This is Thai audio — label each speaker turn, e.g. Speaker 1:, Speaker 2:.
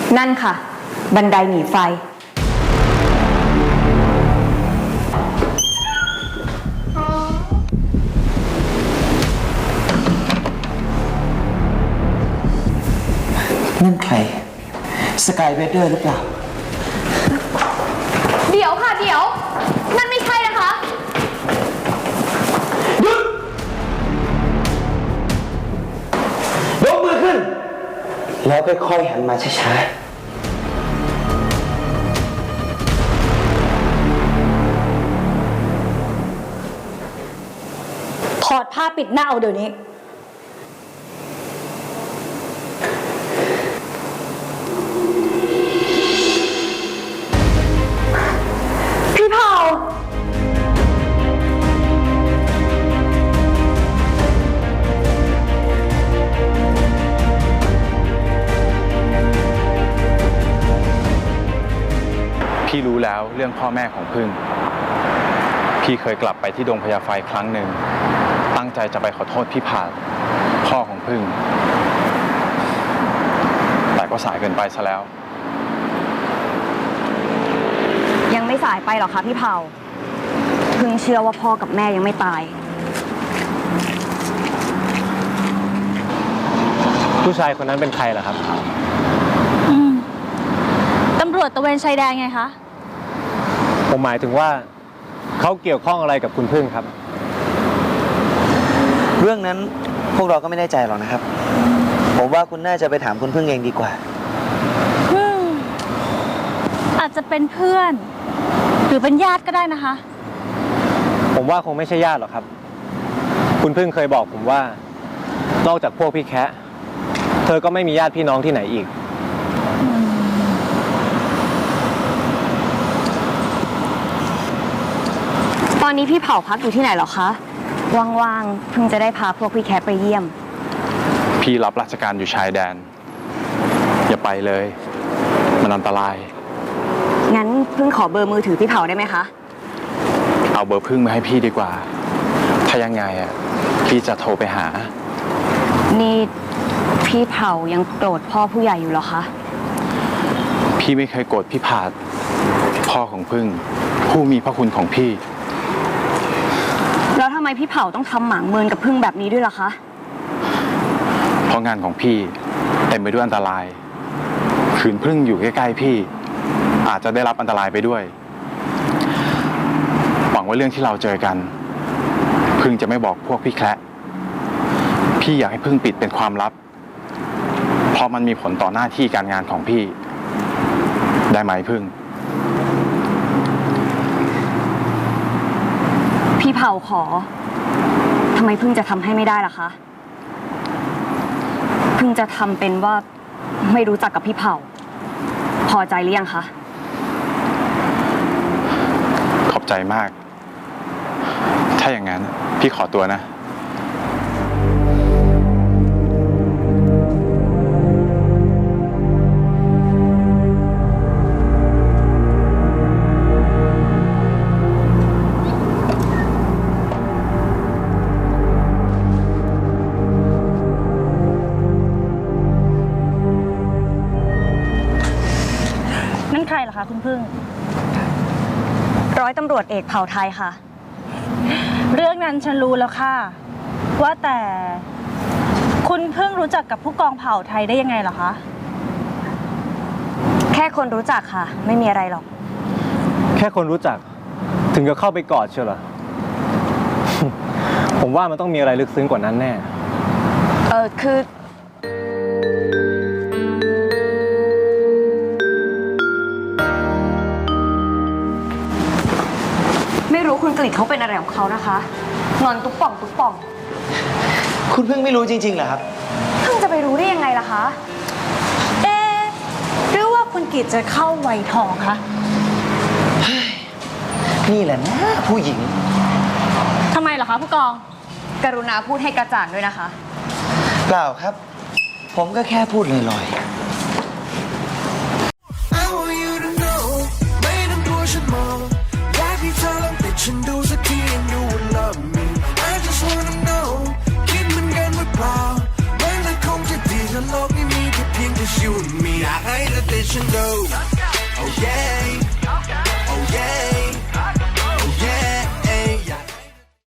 Speaker 1: นั่นค่ะบันไดหนีไฟ
Speaker 2: นั่นใครสกายเวเดอร์หรือเปล่า
Speaker 1: เดี๋ยวค่ะเดี๋ยวนั่นไม่ใช่นะคะ
Speaker 2: หยุดยกมือขึ้นแล้วค่อยๆหันมาช้า
Speaker 1: ถอดผ้าปิดหน้าเอาเดี๋ยวนี้พี่เผา
Speaker 3: พี่รู้แล้วเรื่องพ่อแม่ของพึ่งพี่เคยกลับไปที่ดงพญาไฟครั้งหนึ่งตั้งใจจะไปขอโทษพี่ผาดพ่อของพึ่งแต่ก็สายเกินไปซะแล้ว
Speaker 1: ยังไม่สายไปหรอกคะพี่เผาพึ่งเชื่อว่าพ่อกับแม่ยังไม่ตาย
Speaker 4: ผู้ชายคนนั้นเป็นใครล่ะครับ
Speaker 5: ตำรวจตระเวนชายแดนไงคะ
Speaker 4: ผมหมายถึงว่าเขาเกี่ยวข้องอะไรกับคุณพึ่งครับ
Speaker 2: ๆเรื่องนั้นพวกเราก็ไม่แน่ใจหรอกนะครับผมว่าคุณน่าจะไปถามคุณพึ่งเองดีกว่า
Speaker 5: อาจจะเป็นเพื่อนหรือเป็นญาติก็ได้นะคะ
Speaker 4: ผมว่าคงไม่ใช่ญาติหรอกครับคุณพึ่งเคยบอกผมว่านอกจากพวกพี่แคะเธอก็ไม่มีญาติพี่น้องที่ไหนอีก
Speaker 1: ตอนนี้พี่เผาพักอยู่ที่ไหนหรอคะว่างๆเพิ่งจะได้พาพวกพี่แคทไปเยี่ยม
Speaker 3: พี่รับราชการอยู่ชายแดนอย่าไปเลยมันอันตราย
Speaker 1: งั้นเพิ่งขอเบอร์มือถือพี่เผาได้ไหมคะ
Speaker 3: เอาเบอร์พึ่งมาให้พี่ดีกว่าถ้ายังไงพี่จะโทรไปหา
Speaker 1: นี่พี่เผายังโกรธพ่อผู้ใหญ่อยู่หรอคะ
Speaker 3: พี่ไม่เคยโกรธพี่ผาดพ่อของพึ่งผู้มีพระคุณของพี่
Speaker 1: แล้วทำไมพี่เผาต้องทำหมางเมินกับพึ่งแบบนี้ด้วยล่ะคะ
Speaker 3: เพราะงานของพี่เต็มไปด้วยอันตรายขืนพึ่งอยู่ใกล้ๆพี่อาจจะได้รับอันตรายไปด้วยหวังว่าเรื่องที่เราเจอกันพึ่งจะไม่บอกพวกพี่แคระพี่อยากให้พึ่งปิดเป็นความลับเพราะมันมีผลต่อหน้าที่การงานของพี่ได้ไหมพึ่ง
Speaker 1: พี่เผาขอทำไมพึ่งจะทำให้ไม่ได้ล่ะคะพึ่งจะทำเป็นว่าไม่รู้จักกับพี่เผาพอใจหรือยังคะ
Speaker 3: ขอบใจมากถ้าอย่างนั้นพี่ขอตัวนะ
Speaker 5: นั่นใครเหรอคะคุณพึ่ง
Speaker 1: ร้อยตำรวจเอกเผ่าไทยค่ะ
Speaker 5: เรื่องนั้นฉันรู้แล้วค่ะว่าแต่คุณพึ่งรู้จักกับผู้กองเผ่าไทยได้ยังไงเหรอคะ
Speaker 1: แค่คนรู้จักค่ะไม่มีอะไรหรอก
Speaker 4: แค่คนรู้จักถึงจะเข้าไปกอดเชียวเหรอ ผมว่ามันต้องมีอะไรลึกซึ้งกว่านั้นแน่
Speaker 1: คือไม่รู้คุณกฤษเขาเป็นอะไรของเขานะคะนอนตุ๊บป่องตุ๊บป่อง
Speaker 2: คุณพึ่งไม่รู้จริงๆเหรอครับ
Speaker 1: เพิ่งจะไปรู้ได้ยังไงล่ะคะ
Speaker 5: หรือว่าคุณกิจจะเข้าวัยทองคะ
Speaker 2: นี่แหละนะผู้หญิง
Speaker 5: ทำไมเหรอคะผู้กอง
Speaker 1: กรุณาพูดให้กระจ่างด้วยนะคะ
Speaker 2: เปล่าครับผมก็แค่พูดลอยๆฉันดูสักที and you will love me I just wanna know คิดเหมือนกันหรือเปล่ามันก็คงจะดีถ้าโลกนี้มีแค่เพียงแต่ you and me อยากให้เธอฉันดู oh yeah